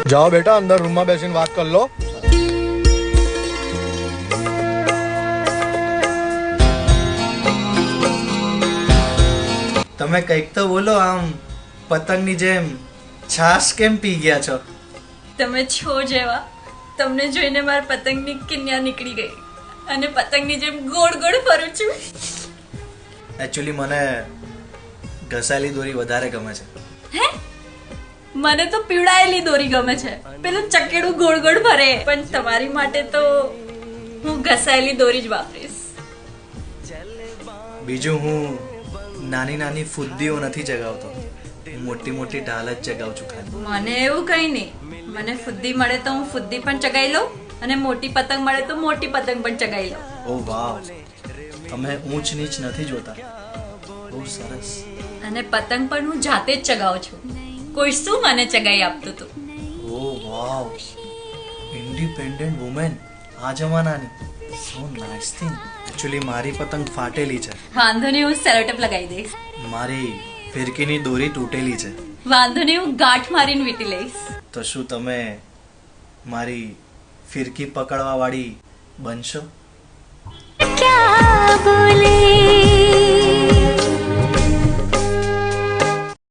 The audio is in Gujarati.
જાઓ બેટા, અંદર રૂમમાં બેસીને વાત કરી લો. તમે કંઈક તો બોલો, આમ પતંગની જેમ છાશ કેમ પી ગયા છો? તમે છો જેવા, તમને જોઈને મારી પતંગની કિન્યા નીકળી ગઈ અને પતંગની જેમ ગોળ ગોળ ફરું છું. એકચ્યુઅલી મને ઘસાયેલી દોરી વધારે ગમે છે. હે, મને તો પીવડાયેલી દોરી ગમે છે, પેલું ચકેડું ગોળ ગોળ ફરે. પણ તમારી માટે તો હું ઘસાયેલી દોરી જ વાપરીશ. બીજું, હું નાની નાની ફુદ્દીઓ નથી ચગાવતો, હું મોટી મોટી ઢાલ જ ચગાવું છું ખાલી. મને એવું કઈ નહીં, મને ફુદ્દી મળે તો હું ફુદ્દી પણ ચગાઈ લઉં અને મોટી પતંગ મળે તો મોટી પતંગ પણ ચગાઈ લઉં. ઓ વાવ, તમે ઊંચ નીચ નથી જોતા, બહુ સરસ. અને પતંગ પણ હું જાતે જ ચગાવું છું, કોઈ શું મને ચગાઈ આપતું હતું. ઓ વાવ, ઇન્ડિપેન્ડન્ટ વુમેન આ જમાનાની. સો નાઇસ થિંગ. એકચ્યુઅલી મારી પતંગ ફાટેલી છે. વાંધો નહીં, હું સેલોટેપ લગાવી દઈશ. મારી ફિરકીની દોરી તૂટેલી છે. વાંધો નહીં, હું ગાંઠ મારીને વીટી લઈશ. તો શું તમે મારી ફિરકી પકડવા વાળી બનશો? क्या बोले